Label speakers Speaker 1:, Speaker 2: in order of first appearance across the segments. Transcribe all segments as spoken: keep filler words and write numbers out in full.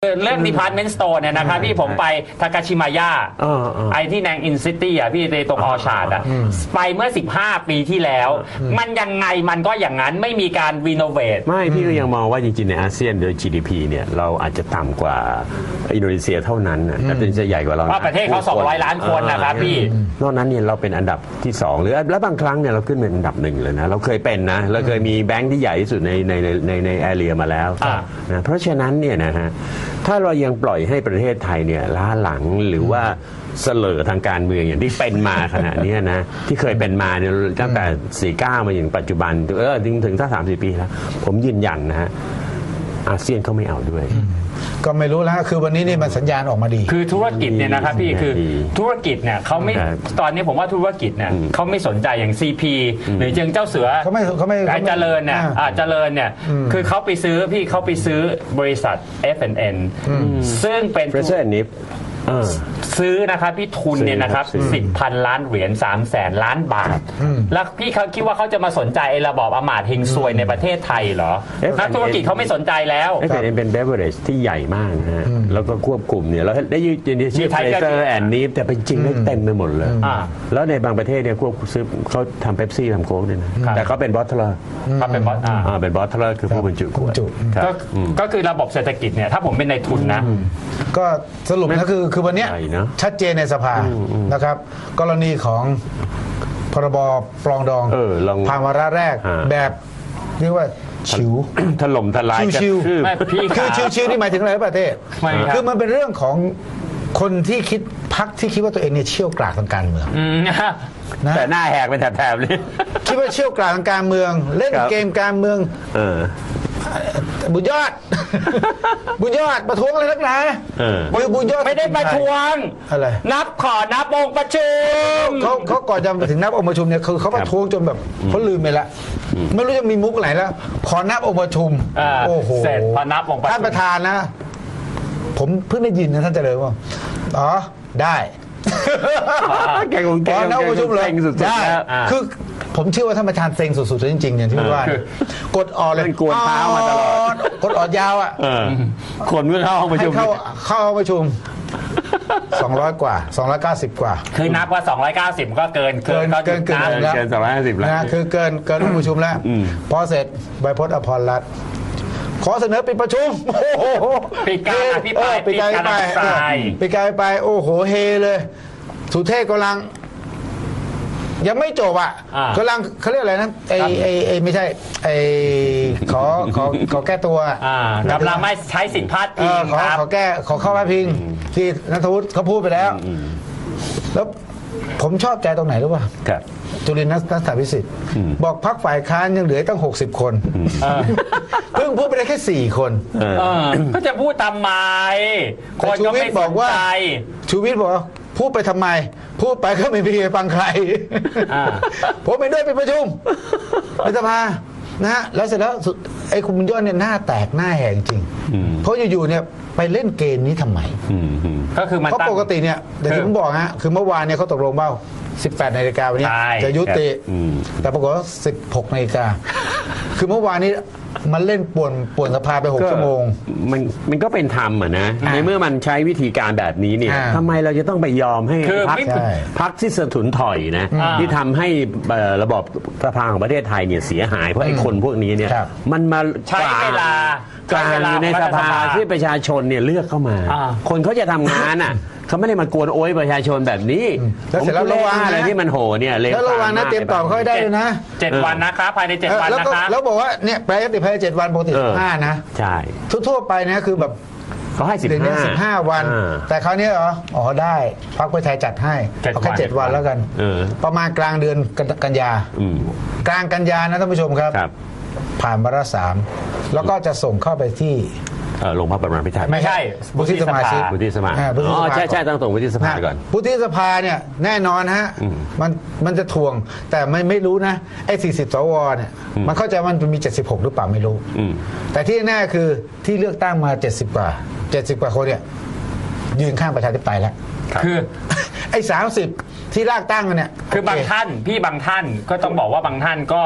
Speaker 1: เรื่อง Department Store เนี่ยนะครับพี่ผมไปทากาชิมายะไอที่แนงอินซิตี้อ่ะพี่ในตรงออชาร์ดอ่ะไปเมื่อสิบห้าปีที่แล้วมันยังไงมันก็อย่างนั้นไม่มีการรีโนเวท
Speaker 2: ไม่พี่ก็ยังมองว่าจริงๆในอาเซียนโดย จี ดี พี เนี่ยเราอาจจะต่ำกว่าอินโดนีเซียเท่านั้นนะแต่เป็นจะใหญ่กว่าเรา
Speaker 1: เพราะประเทศเขาสองร้อยล้านคนนะครับพี่
Speaker 2: นอกนั้นเนี่ยเราเป็นอันดับที่สองหรือแล้วบางครั้งเนี่ยเราขึ้นเป็นอันดับหนึ่งเลยนะเราเคยเป็นนะเราเคยมีแบงค์ที่ใหญ่ที่สุดในในในในแอเรียมาแล้วนะเพราะฉะนั้นเนี่ยนะฮะถ้าเรายังปล่อยให้ประเทศไทยเนี่ยล้าหลังหรือว่าเสลอทางการเมืองอย่างที่เป็นมาขณะนี้นะที่เคยเป็นมาเนี่ยตั้งแต่สี่เก้ามาอย่างปัจจุบันเออถึงถึงถ้าสามสิบปีแล้วผมยืนยันนะฮะอาเซียนเขาไม่เอาด้วย
Speaker 3: ก็ไม่รู้แล้วคือวันนี้นี่มันสัญญาณออกมาดี
Speaker 1: คือธุรกิจเนี่ยนะครับพี่คือธุรกิจเนี่ยเขาไม่ตอนนี้ผมว่าธุรกิจเนี่ยเขาไม่สนใจอย่าง ซี พี หรือเจิงเจ้าเสือ
Speaker 3: เขาไม่เขาไม่
Speaker 1: เจริญเนี่ยเจริญเนี่ยคือเขาไปซื้อพี่เขาไปซื้อบริษัท เอฟ แอนด์ เอ็น ซึ่งเป็นซื้อนะครับพี่ทุนเนี่ยนะครับสิบพันล้านเหรียญสามแสนล้านบาทแล้วพี่เขาคิดว่าเขาจะมาสนใจไอ้ระบอบอมาตย์เฮงซวยในประเทศไทยเหรอนักธุรกิจเขาไม่สนใจแล้ว
Speaker 2: เอฟ แอนด์ เอ็น เป็นเบเวอเรจที่ใหญ่มากนะฮะแล้วก็ควบคุมเนี่ยแล้วได้ยืนชื่อเฟรเซอร์แอนด์นีฟแต่เป็นจริงได้เต็มไปหมดเลยแล้วในบางประเทศเนี่ยควบซื้อเขาทำเป๊ปซี่ทำโค้กเนี่ยนะแต่เขาเป็นบอทเทอร์
Speaker 1: เขาเป็นบอท
Speaker 2: อ่าเป็นบอทเทอร์คือผู้บรรจุขวด
Speaker 1: ก็คือระบบเศรษฐกิจเนี่ยถ้าผมเป็นนายทุนนะ
Speaker 3: ก็สรุปนะคือคือวันนี้ชัดเจนในสภานะครับกรณีของพรบปรองดองผ่านวาระแรกแบบเรียกว่าชิว
Speaker 2: ถล่มทลาย
Speaker 3: ชิวคือชิวๆนี่หมายถึงอะไรประเทศคือมันเป็นเรื่องของคนที่คิดพรรคที่คิดว่าตัวเองเนี่ยเชี่ยวกราดทางการเมือง
Speaker 2: แต่หน้าแหกเป็นแถบๆเลย
Speaker 3: คิดว่าเชี่ยวกราดทางการเมืองเล่นเกมการเมืองบุญยอดบุญยอดประท้วงอะไรนักหนาบุญยอด
Speaker 1: ไม่ได้ประท้วง
Speaker 3: อะไร
Speaker 1: นับขอนับองค์ประชุม
Speaker 3: เขาเขาก่อนจะถึงนับองค์ประชุมเนี่ยคือเขาประท้วงจนแบบเขาลืมไปละไม่รู้จะมีมุกไหนแล้วขอนับองค์ประชุมโอ้โห
Speaker 1: เสร็จพอนับองค์ประชุม
Speaker 3: ท่านประธานนะผมเพิ่งได้ยินนะท่านเจริญว่าอ๋อได้
Speaker 2: แกงงแกง
Speaker 3: นับองค์ประชุมเลยได้คือผมเชื่อว่าท่านประธานเซ็งสุดๆจริงๆอย่างที่ว่ากดออดเลย
Speaker 2: กดเท้ามาตลอด
Speaker 3: กดออดยาวอ่ะ
Speaker 2: คนเมื่อเข้าห้องประชุม
Speaker 3: เข้าเข้าห้องประชุมสองร้อยกว่าสองร้อยเก้าสิบกว่า
Speaker 1: คือนับว่าสองร้อยเก้าสิบก็เกิน
Speaker 3: เกินเกินเกินแล้ว
Speaker 2: เกินสองร้อยห้าสิบแล้ว
Speaker 3: นะคือเกินเกินห้องประชุมแล้วพอเสร็จใบพจน์อภรรัตน์ขอเสนอปิดประชุม
Speaker 1: ปิดการอภิปราย
Speaker 3: ปิดการไปปิดการไปโอ้โหเฮเลยสุเทพกำลังยังไม่จบอ่ะกำลังเขาเรียกอะไรนะไอไอไอไม่ใช่ไอขอขอขอแก้ตัว
Speaker 1: กำลังไม่ใช้สิทธิพาดพิง
Speaker 3: ขอขอแก้ขอเข้าพาดพิงที่นัทวุฒิเขาพูดไปแล้วแล้วผมชอบใจตรงไหนรู้ป่ะจุลินทร์นักษาวิสิทธิ์บอกพรรคฝ่ายค้านยังเหลือตั้งหกสิบคนเพิ่งพูดไปได้แค่สี่คน
Speaker 1: ก็จะพูดทำไม
Speaker 3: คนก็ไม่บอกว่าชูวิทย์บอกพูดไปทำไมพูดไปก็ไม่มีใครฟังใครผมไปด้วยไปประชุมในสภานะฮะแล้วเสร็จแล้วไอ้คุณบุญยอดเนี่ยหน้าแตกหน้าแหงจริงเพราะอยู่ๆเนี่ยไปเล่นเกมนี้ทำไม
Speaker 1: ก็คือมัน
Speaker 3: เพราะปกติเนี่ยแต่ที่ผมบอกฮะคือเมื่อวานเนี่ยเขาตกลงว่าสิบแปดนาฬิกาวันนี้จะยุติแต่ปรากฏว่าสิบหกนาฬิกาคือเมื่อวานนี้มันเล่นป่วนป่วนสภาไปหกชั่วโมง
Speaker 2: มันมันก็เป็นธรรมอ่ะนะในเมื่อมันใช้วิธีการแบบนี้เนี่ยทำไมเราจะต้องไปยอมให้พรรคพรรคที่สะทุนถอยนะที่ทำให้ระบบสภาของประเทศไทยเนี่ยเสียหายเพราะไอ้คนพวกนี้เนี่ยมันมา
Speaker 1: ใช้เวลา
Speaker 2: การอยู่ในสภาที่ประชาชนเนี่ยเลือกเข้ามาคนเขาจะทำงานอ่ะเขาไม่ได้มากวนโอยประชาชนแบบนี้
Speaker 3: แล้วเสร็จแล้วระวัง
Speaker 2: อะไรที่มันโหเนี่ย
Speaker 3: แล้วระวังนะเตรียมตอบเขาได้เลยนะ
Speaker 1: เจ็ดวันนะครับภายในเจ็ดวันนะครับ
Speaker 3: แล้วบอกว่าเนี่ยแปลยติภายในเจ็ดวันปกติสิบห้านะ
Speaker 2: ใช่
Speaker 3: ทั่วๆไปนะคือแบบ
Speaker 2: เขาให้สิบห้า
Speaker 3: สิบห้าวันแต่คราวนี้เหรออ๋อได้พรรคเพื่อไทยจัดให้เอาแค่เจ็ดวันแล้วกันประมาณกลางเดือนกันยากลางกันยานะท่านผู้ชมครับผ่านวาระสามแล้วก็จะส่งเข้าไปที่
Speaker 2: ลงพระประมาพิไทย
Speaker 1: ไม่ใช่
Speaker 3: วุฒิสมาชิก
Speaker 2: วุฒิสภาอ๋อใช่ใช่ต้องส่งวุฒิสภาก่อน
Speaker 3: วุฒิสภาเนี่ยแน่นอนฮะมันมันจะทวงแต่ไม่ไม่รู้นะไอ้สี่สิบสวเนี่ยมันเข้าใจมันมีเจ็ดสิบหกหรือเปล่าไม่รู้แต่ที่แน่คือที่เลือกตั้งมาเจ็ดสิบกว่าเจ็ดสิบกว่าคนเนี่ยยืนข้างประชาธิปไตยแล้ว
Speaker 1: คือ
Speaker 3: ไอ้สามสิบที่ลากตั้งกันเนี่ย
Speaker 1: คือบางท่านพี่บางท่านก็ต้องบอกว่าบางท่านก็ถ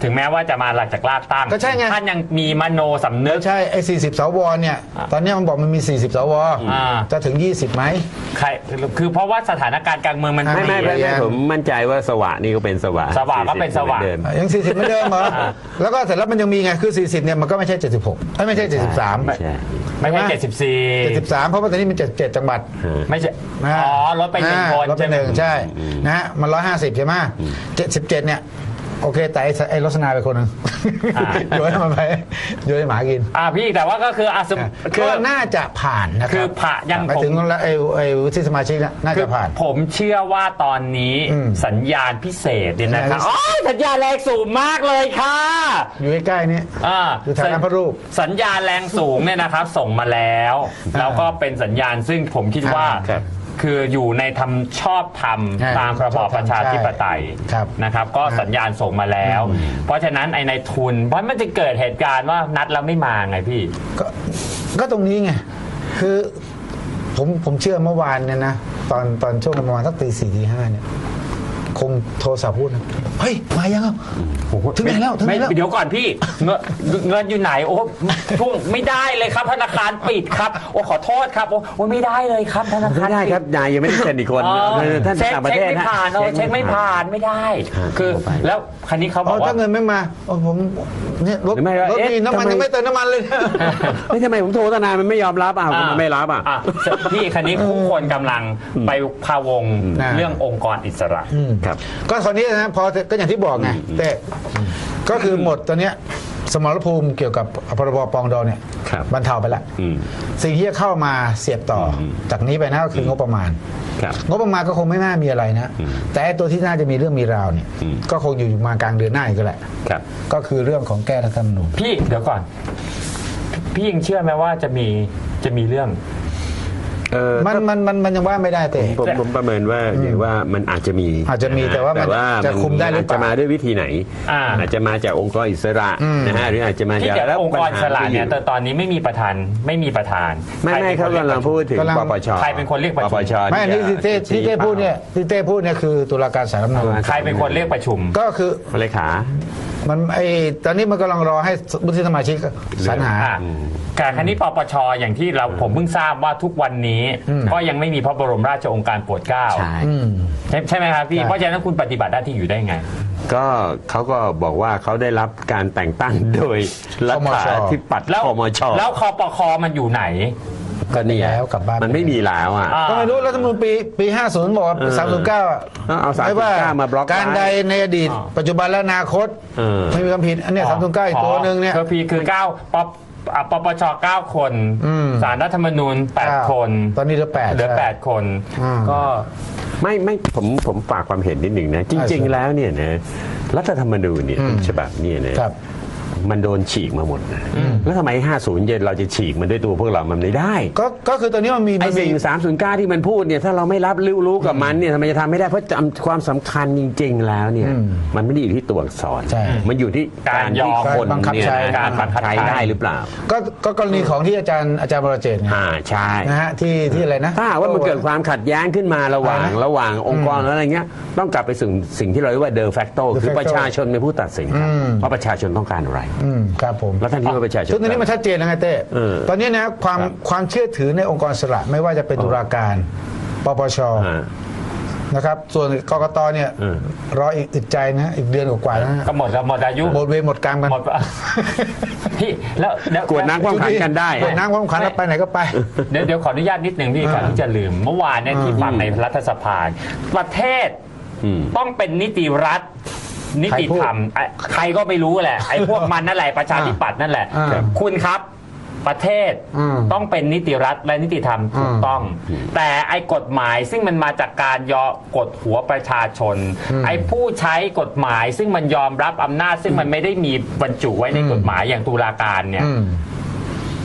Speaker 1: ถึงแม้ว่าจะมาหลังจากลากตั้ง
Speaker 3: ก็ใช่ไง
Speaker 1: ท่านยังมีมโนสำนึก
Speaker 3: ใช่ไอ้สี่สิบสวเนี่ยตอนนี้มันบอกมันมีสี่สิบสว
Speaker 1: อ่า
Speaker 3: จะถึงยี่สิบไหม
Speaker 1: ใครคือเพราะว่าสถานการณ์การเมืองมัน
Speaker 2: ไม่ไม่ไม่
Speaker 3: เปลี่
Speaker 2: ไม่
Speaker 3: ยน
Speaker 2: ผมมั่นใจว่าสวะนี่ก็เป็นสวะ
Speaker 1: สวะก็เป็นสวะ
Speaker 2: หมือเดิม
Speaker 3: ยังสี่สิบไม่เดิมเหรอแล้วก็เสร็จแล้วมันยังมีไงคือสี่สิบเนี่ยมันก็ไม่ใช่เจ็ดสิบหกไม่ใช่เจ็ดสิบสาม
Speaker 2: ไม่ใช่
Speaker 1: ไม่ใช่เจ็ดสิบสี่
Speaker 3: เจ็ดสิบสามเพราะว่าตอนนี้มันเจ็ดเจ็ดจังหวัด
Speaker 1: ไม่ใช่
Speaker 3: นะ
Speaker 1: อ๋อลดไปหนึ่งคน
Speaker 3: ลดไปหนึ่งใช่นะฮะมันร้อยห้าสิบใช่ไหมเจ็ดสิบเจ็ดเนี่ยโอเคแต่ไอ้ไอ้รสนาไปคนหนึ่งโยนให้มันไปโยนให้หมากิน
Speaker 1: อ่าพี่แต่ว่าก็คืออ่ะสมคื
Speaker 3: ก็
Speaker 1: อ
Speaker 3: น่าจะผ่านนะค
Speaker 1: คื
Speaker 3: รั
Speaker 1: อบ ผ่ายัง
Speaker 3: หมาย
Speaker 1: ผม
Speaker 3: ถึงไอ้ไอ้วุฒิสมาชิกน่ะน่า
Speaker 1: คื
Speaker 3: จะผ่าน
Speaker 1: ผมเชื่อว่าตอนนี้
Speaker 3: อืม
Speaker 1: สัญญาณพิเศษเนี่ยนะครับ
Speaker 3: สัญญาณพิเศษ
Speaker 1: อ๋อสัญญาณแรงสูงมากเลยค่ะ
Speaker 3: อยู่ใกล้ๆนี่
Speaker 1: อ่า
Speaker 3: อยู่ทางน้ำพระรูป
Speaker 1: สัญญาณแรงสูงเนี่ยนะครับ ส่งมาแล้ว แล้วก็เป็นสัญญาณซึ่งผมคิดว่า
Speaker 2: ครับ
Speaker 1: คืออยู่ในทำชอบท
Speaker 3: ใช่
Speaker 1: ำตามระบอบประชาธิปไตย
Speaker 3: ครับ
Speaker 1: นะครับ ก็สัญญาณส่งมาแล้ว เพราะฉะนั้นไอ้ในทุน เพราะมันจะเกิดเหตุการณ์ว่านัดแล้วไม่มาไงพี่
Speaker 3: ก็ก็ตรงนี้ไงคือผมผมเชื่อเมื่อวานเนี่ยนะตอนตอนช่วงประมาณสักตีสี่ตีห้าเนี่ยคงโทรศัพท์พูดนะเฮ้ยมายังอ่ะถึงไหนแล้วถึงไหน
Speaker 1: ไม่
Speaker 3: แล้ว
Speaker 1: เดี๋ยวก่อนพี่เงินเงินอยู่ไหนโอ้ทุ่งไม่ได้เลยครับธนาคารปิดครับโอ้ขอโทษครับโอ้โอ้ไม่ได้เลยครับธนาคาร
Speaker 2: ไม่ได้
Speaker 1: ปิ
Speaker 2: ครับนายยังไม่ได้เซ็นอีกคน
Speaker 1: อ๋อ
Speaker 2: เออท่าน
Speaker 1: เช็ค
Speaker 2: ต่างประ
Speaker 1: เช็
Speaker 2: เท
Speaker 1: ค
Speaker 2: ศ
Speaker 1: ไม่
Speaker 2: นะ
Speaker 1: ผ่านเอาเช็คไม่ผ่านไม่ได้ คือแล้วคันนี้เขาบ
Speaker 3: อ๋
Speaker 1: อ
Speaker 3: อก
Speaker 1: ว่า
Speaker 3: ถ้าเงินไม่มาโอ้ผมเนี่ยรถ
Speaker 2: หรือไม่
Speaker 3: รถ
Speaker 2: เอ๊ะ
Speaker 3: มีน้ำมัน
Speaker 2: ทำไม
Speaker 3: ยังไม่เติมน้ำมันเลย
Speaker 2: ไม่ทำไมผมโทรตั้งนานมันไม่ยอมรับอ่ะมันไม่รับอ่ะ
Speaker 1: อ่ะพี่คันนี้ผู้คนกำลังไปพาวง
Speaker 3: นะ
Speaker 1: เรื่ององค์กรอิสระ
Speaker 2: ครับ
Speaker 3: ก็คราวนี้นะพอก็อย่างที่บอกไงแต่ก็คือหมดตอนเนี้ยสมรภูมิเกี่ยวกับพรบปองดองเนี่ย
Speaker 2: ครับ
Speaker 3: บรรเทาไปละ
Speaker 2: อืม
Speaker 3: สิ่งที่จะเข้ามาเสียบต่ออจากนี้ไปนะก็คืองบประมาณ
Speaker 2: ครับ
Speaker 3: งบประมาณก็คงไม่น่ามีอะไรนะ แต่ไอ้ตัวที่น่าจะมีเรื่องมีราวเนี่ย
Speaker 2: อืม
Speaker 3: ก็คงอยู่มากลางเดือนหน้าอีกแหละ
Speaker 2: ครับ
Speaker 3: ก็คือเรื่องของแก้รัฐธรรมนูญ
Speaker 1: พี่เดี๋ยวก่อน พี่ยังเชื่อไหมว่าจะมีจะมีเรื่อง
Speaker 2: เออ
Speaker 3: มันมันมันมันยังว่าไม่ได้แต่
Speaker 2: ผมผมประเมินว่าอย่างว่ามันอาจจะมี
Speaker 3: อาจจะมี
Speaker 2: นฮ
Speaker 3: แต่ว่ามัน
Speaker 2: แต่ว่า
Speaker 3: จะคุมได้หรือเปล่า
Speaker 2: จจะมาด้วยวิธีไหน
Speaker 1: อ่า
Speaker 2: อาจจะมาจากองค์กรอิสระนะฮะหรืออาจจะมา
Speaker 1: ที่
Speaker 2: จาก
Speaker 1: เดี๋ยว
Speaker 2: แล้ว
Speaker 1: องค์กรอิสระเนี่ย
Speaker 2: ปัญหา
Speaker 1: แต่ตอนนี้ไม่มีประธานไม่มีประธาน
Speaker 2: ไม่ไม่เขากำลังพูดถึง
Speaker 3: กำลัง
Speaker 2: ปปช
Speaker 1: ใครเป็นคนเรียกประชุม
Speaker 2: ปปช
Speaker 3: ไม่อันนี้ที่เต้ที่เต้พูดเนี่ยที่เต้พูดเนี่ยคือตุลาการศาลรัฐธรรมนูญ
Speaker 1: ใครเป็นคนเรียกประชุม
Speaker 3: ก็คือ
Speaker 2: เลขา
Speaker 3: มันไอตอนนี้มันกำลังรอให้วุฒิสมาชิกสรรหา
Speaker 1: อ่ะการคันนี้ปปชอย่างที่เราผมเพิ่งทราบว่าทุกวันนี้ ก็ยังไม่มีพระบรมราชโองการโปรดเกล้า
Speaker 2: ใช่
Speaker 3: อืม
Speaker 1: ใช่ใช่ไหมครับพี่
Speaker 3: ใช่
Speaker 1: เพราะฉะนั้นคุณปฏิบัติหน้าที่อยู่ได้ไง
Speaker 2: ก็เขาก็บอกว่าเขาได้รับการแต่งตั้งโดยรัฐาธิปัตย์
Speaker 1: แล้ว
Speaker 2: คมช
Speaker 1: แล้วคอปคมันอยู่ไหน
Speaker 2: ก็เนี่ย
Speaker 3: แล้วกลับบ้าน
Speaker 2: มันไม่มีแล้วอ่ะ
Speaker 1: อ่า
Speaker 3: ก็ไม่รู้รัฐธรรมนูญปีปีห้าสิบบอกว่า
Speaker 2: เออ
Speaker 3: สามสิบเก้าอ่ะ
Speaker 2: เอาสามสิบเก้ามาบล็อกไว้
Speaker 3: การใดในอดีต
Speaker 1: อ่า
Speaker 3: ปัจจุบันและอนาคต
Speaker 2: เออ
Speaker 3: ไม่มีความผิดอันเนี้ยสามสิบเก้าอีกตัวหนึ่งเนี่ย
Speaker 1: คือพี่คือเก้าปปอ่ะปปชเก้าคน
Speaker 3: อืม
Speaker 1: ศาลรัฐธรรมนูญแปดคน
Speaker 3: ตอนนี้เหลือแปด
Speaker 1: เหลือ
Speaker 3: ใช่
Speaker 1: แปดคน
Speaker 3: อืม
Speaker 1: ก็
Speaker 2: ไม่ไม่ผมผมฝากความเห็นนิดหนึ่งนะ จริง ๆ แล้วเนี่ยนะรัฐธรรมนูญเนี่ยทุกฉบับเนี่ยนะครับ มันโดนฉีกมาหมดนะแล้วทำไมห้าสิบเย็นเราจะฉีกมันด้วยตัวพวกเรามันไม่ได้
Speaker 3: ก็ก็คือตอนนี้มันมี
Speaker 2: ไอ้
Speaker 3: มันมี
Speaker 2: สิ่งสามศูนย์เก้าที่มันพูดเนี่ยถ้าเราไม่รับรู้รู้กับมันเนี่ยทำไมจะทำไม่ได้เพราะจำความสำคัญจริง ๆ แล้วเนี่ยมันไม่ได้อยู่ที่ตัวอักษร
Speaker 3: ใช่
Speaker 2: มันอยู่ที่การที่คน
Speaker 3: การบังคับ
Speaker 2: เนี่ย
Speaker 3: ใช้
Speaker 2: นะการบังคับใช้ได้หรือเปล่า
Speaker 3: ก็ก็กรณีของที่อาจารย์อาจารย์บรเจตไง
Speaker 2: อ่าใช่
Speaker 3: นะฮะที่ที่อะไรนะ
Speaker 2: ถ้าหากว่ามันเกิดความขัดแย้งขึ้นมาระหว่าง
Speaker 3: อะไรนะ
Speaker 2: ระหว่างองค์กรแล้วอะไรเงี้ยต้องกลับไปสู่สิ่งที่เราเรียกว่าเดอ facto
Speaker 3: de
Speaker 2: คือ
Speaker 3: facto
Speaker 2: ประชาชนเป็นผู้ตัดสินครับ
Speaker 3: อืม
Speaker 2: ว่าประชาชนต้องการอะไร
Speaker 3: อืมครับผม
Speaker 2: แล้วท่านคิดว่าประชาชน
Speaker 3: ซึ่งตอนนี้มันชัดเจนแล้วไงเต้
Speaker 2: เออ
Speaker 3: ตอนนี้นะความความเชื่อถือในองค์กรอิสระไม่ว่าจะเป็นตุลาการปปช
Speaker 2: อ่า
Speaker 3: นะครับส่วนกกตเนี่ย
Speaker 2: เออ
Speaker 3: รออีกอึดใจนะอีกเดือนกว่าๆนะฮะ
Speaker 1: ก็หมดแล้วหมดอายุ
Speaker 3: หมดเวรหมดกรรมกัน
Speaker 1: หมด พี่แล้วแล้ว
Speaker 2: กวดน้ำความขันกันได้
Speaker 3: กวดน้ำความขันแล้วไปไหนก็ไป
Speaker 1: เดี๋ยวเดี๋ยวขออนุญาตนิดหนึ่งพี่ก่อนที่จะลืม เมื่อวานเนี่ยที่ฟังในรัฐสภาประเทศ
Speaker 2: อืม
Speaker 1: ต้องเป็นนิติรัฐ นิติธรรมไอ้ใครก็ไม่รู้แหละไอ้พวกมันนั่นแหละประชาธิปัตย์นั่นแหละ
Speaker 3: อ่า
Speaker 1: คุณครับประเทศ
Speaker 3: อืม
Speaker 1: ต้องเป็นนิติรัฐและนิติธรรมถูกต้อง แต่ไอ้กฎหมายซึ่งมันมาจากการยอกดหัวประชาชน ไอ้ผู้ใช้กฎหมายซึ่งมันยอมรับอำนาจ ซึ่งมันไม่ได้มีบรรจุไว้ในกฎหมายอย่างตุลาการเนี่ย
Speaker 3: อืม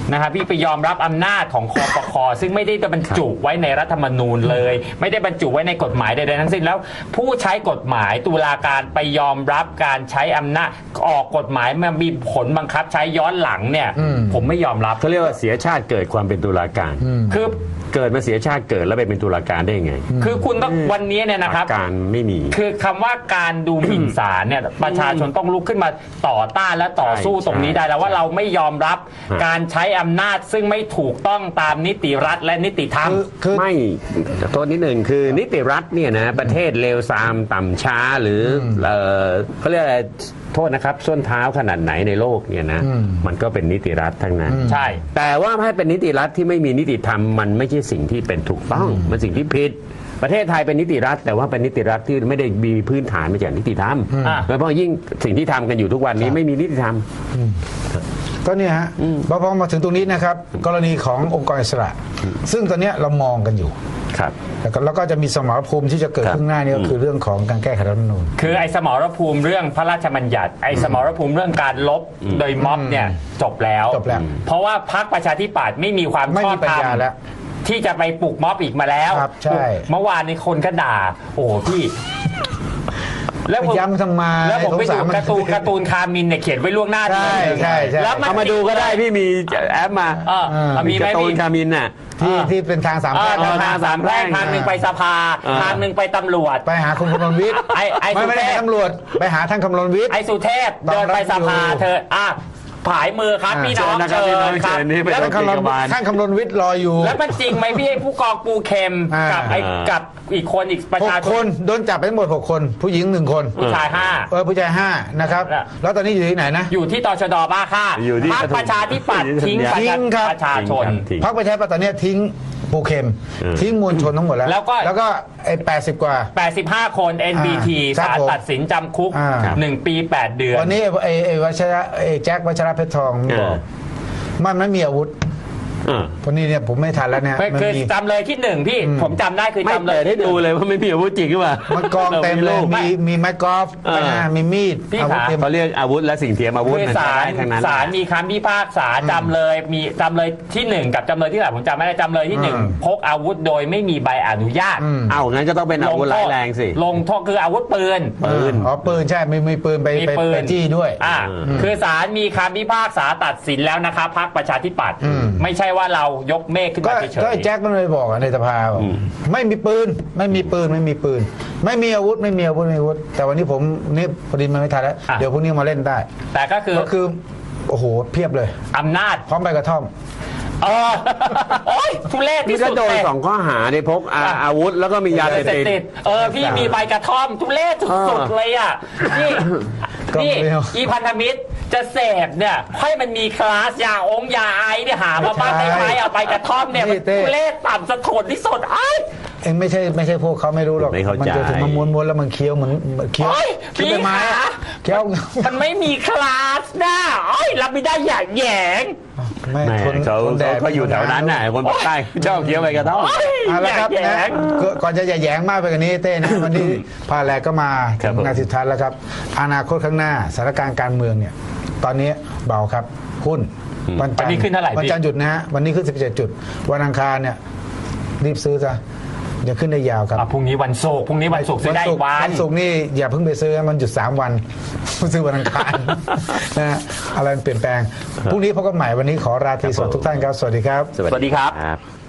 Speaker 1: นะครับพี่ไปยอมรับอำนาจของคอปคซึ่งไม่ได้บรรจุไว้ในรัฐธรรมนูญเลย ไม่ได้บรรจุไว้ในกฎหมายใดๆทั้งสิ้นแล้วผู้ใช้กฎหมายตุลาการไปยอมรับการใช้อำนาจออกกฎหมายมามีผลบังคับใช้ย้อนหลังเนี่ยผมไม่ยอมรับ
Speaker 2: เขาเรียกว่าเสียชาติเกิดความเป็นตุลาการ
Speaker 1: คือ
Speaker 2: เกิดมาเสียชาติเกิดแล้วไปเป็นตุลาการได้ยังไง
Speaker 1: คือคุณต้องวันนี้เนี่ยนะครับ
Speaker 2: การไม่มี
Speaker 1: คือคำว่าการดูหมิ่นศาลเนี่ยประชาชนต้องลุกขึ้นมาต่อต้านและต่อสู้ตรงนี้ได้แล้วว่าเราไม่ยอมรับการใช้อำนาจซึ่งไม่ถูกต้องตามนิติรัฐและนิติธรรม
Speaker 2: ไม่โทษนิดหนึ่งคือนิติรัฐเนี่ยนะประเทศเลวทรามต่ำช้าหรือเอ่อเขาเรียกอะไรโทษนะครับส้นเท้าขนาดไหนในโลกเนี่ยนะมันก็เป็นนิติรัฐทั้งนั้น
Speaker 1: ใช่
Speaker 2: แต่ว่าให้เป็นนิติรัฐที่ไม่มีนิติธรรมมันไม่ใช่สิ่งที่เป็นถูกต้องมันสิ่งที่ผิดประเทศไทยเป็นนิติรัฐแต่ว่าเป็นนิติรัฐที่ไม่ได้มีพื้นฐานมาจากนิติธรรมโดยเฉพาะยิ่งสิ่งที่ทำกันอยู่ทุกวันนี้ไม่มีนิติธรรม
Speaker 3: ก็เนี่ยฮะพอพอมาถึงตรงนี้นะครับกรณีขององค์กรอิสระซึ่งตอนนี้เรามองกันอยู่
Speaker 2: ครับ
Speaker 3: แล้วก็แล้วก็จะมีสมรภูมิที่จะเกิดขึ้นหน้านี้ก็คือเรื่องของการแก้ไขรัฐธรรมนูญ
Speaker 1: คือไอ้สมรภูมิเรื่องพระราชบัญญัติไอ้สมรภูมิเรื่องการลบโดยม็อบเนี่ยจบแล้ว
Speaker 3: จบแล้ว
Speaker 1: เพราะว่าพรรคประชาธิปัตย์ไม่มีความชอบธรรมที่จะไปปลุกม็อบอีกมาแล้ว
Speaker 3: ใช่
Speaker 1: เมื่อวานนี้คนก็ด่าโอ้พี่
Speaker 3: แล้วผมย้ำทำมา
Speaker 1: แล้วผมไปดูการ์ตูนการ์ตูนคามินเนี่ยเขียนไว้ล่วงหน้า
Speaker 3: ใช่ใช่ใช่
Speaker 1: แล้ว
Speaker 2: เอามาดูก็ได้พี่มีแอปมา
Speaker 1: เออมี
Speaker 2: การ์ตูนคามินน่ะ
Speaker 3: ที่ที่เป็นทางสามแพร่ง
Speaker 1: ทางสามแพร่งทางหนึ่งไปสภาทางหนึ่งไปตำรวจ
Speaker 3: ไปหาคุณคำรณวิทย์
Speaker 1: ไอ้ไอ้
Speaker 3: ไม่ไม่ได้ตำรวจไปหาท่านคำรณวิทย์
Speaker 1: ไอ้สุเทพเดินไปสภาเธออ่ะผายมือครับพี่น้องเชิญครับ
Speaker 3: แล้วท่านคำรณวิทย์รออยู่
Speaker 1: แล้วมันจริงไหมพี่ผู้กองปูเข็มกับไอ้กับอีกคนอีกประชาชน
Speaker 3: คนโดนจับไปทั้งหมดหกคนผู้หญิงหนึ่งคน
Speaker 1: ผู้ชายห้า
Speaker 3: เออผู้ชายห้านะครับแล้วตอนนี้อยู่ที่ไหนนะ
Speaker 1: อยู่ที่ตชดบ้าค่าพรรคประชาธิปัตย์ทิ้งประชาชน
Speaker 3: พรรคประชาธิปัตย์ตอนนี้ทิ้งปูเข็มทิ้งมวลชนทั้งหมดแล้ว
Speaker 1: แล้วก็
Speaker 3: แล้วก็ไอ้แปดสิบกว่า
Speaker 1: แปดสิบห้าคน เอ็น บี ที ศาลตัดสินจำคุกหนึ่งปีแปดเดือน
Speaker 3: วันนี้ไอ้ไอ้วัชระไอ้แจ็ควัชระเพชรทองบอกมันไม่มีอาวุธพอนี้เนี่ยผมไม่ทันแล้วเนี่ย
Speaker 1: คือจำเลยที่หนึ่งพี่ผมจำได้คือจำเลย
Speaker 2: ให้ดูเลยว่าไม่มีอาวุธจริงหรือเปล่า
Speaker 3: มันกองเต็มเลยมีมีไม้กอล์ฟมีมีด
Speaker 2: อาวุธเขาเรียกอาวุธและสิ่งเทียมอาวุธ
Speaker 1: ศาลศาลมีคำพิพากษาจำเลยมีจำเลยที่หนึ่งกับจำเลยที่หลายผมจำไม่ได้จำเลยที่หนึ่งพกอาวุธโดยไม่มีใบอนุญาต
Speaker 2: เอางั้นก็ต้องเป็นอาวุธร้ายแรงสิ
Speaker 1: ลงโทษคืออาวุธปืน
Speaker 2: ปืน
Speaker 3: อ๋อปืนใช่ไม่มีปืนไปไปจี้ด้วย
Speaker 1: อ่าคือศาลมีคำพิพากษาตัดสินแล้วนะครับพรรคประชาธิปัตย์ไม่ใช่ว่าเรายกเมฆขึ้นมาเฉยๆ
Speaker 3: ก็แจ็คมันเลยบอกในสภาไม่มีปืนไม่มีปืนไม่มีปืนไม่มีอาวุธไม่มีอาวุธไม่มีอาวุธแต่วันนี้ผมนี่พอดีมันไม่ทันแล้วเดี๋ยวพรุ่งนี้มาเล่นได้
Speaker 1: แต่ก็คือ
Speaker 3: ก็คือโอ้โหเพียบเลย
Speaker 1: อำนาจ
Speaker 3: พร้อมใบกระท่อม
Speaker 1: เออโอ้ยทุเรศที่สุด
Speaker 2: โดนสองข้อหาในพกอาวุธแล้วก็มียาเสพติด
Speaker 1: เออพี่มีใบกระท่อมทุเรศสุดๆเลยอ่ะนี่นี่อีพันธมิตรจะเสพเนี่ยให้มันมีคลาสยาองยาไอเนี่ยหามาบ้างได้ไหมเอาใบกระท่อมเนี่ยทุเรศต่ำสะทนที่สุดไอ้
Speaker 3: เองไม่ใช่ไม่ใช่พวกเขาไม่รู้หรอกมันจะถึงมันม้วนๆแล้วมันเคี้ยวเหมือนเคี้ยว
Speaker 1: พี่
Speaker 3: ไม้เคี้ยว
Speaker 1: มันไม่มีคลาสนะไอ้รับไม่ได้อย่าแหยง
Speaker 2: ไม่เขาเขาอยู่แถวนั้นน่ะคนภาคใต้ชอบเคี้ยวใบกระท่อม
Speaker 3: แล้วครับนะก่อนจะอย่าแหยงมากไปกว่านี้เต้นะวันนี้พาแลก็มางานสุดท้ายแล้วครับอนาคตข้างหน้าสถานการณ์การเมืองเนี่ยตอนนี้เบาครับหุ้น
Speaker 1: วันจันทร์ขึ้นเท่าไหร่
Speaker 3: วันจันทร์หยุดนะฮะวันนี้ขึ้นสิบเจ็ดจุดวันอังคารเนี่ยรีบซื้อซะเดี๋ยวขึ้นได้ยาวครับ
Speaker 1: พรุ่งนี้วันศุกร์พรุ่งนี้วันศุกร์ซื้อได้วัน
Speaker 3: วันศุกร์นี่อย่าเพิ่งไปซื้อมันหยุดสามวันซื้อวันอังคารนะฮะอะไรเปลี่ยนแปลงพรุ่งนี้พบกันใหม่วันนี้ขอราตรีสวัสดิ์ทุกท่านครับสวัสดีครับ
Speaker 1: สวัสดีครับ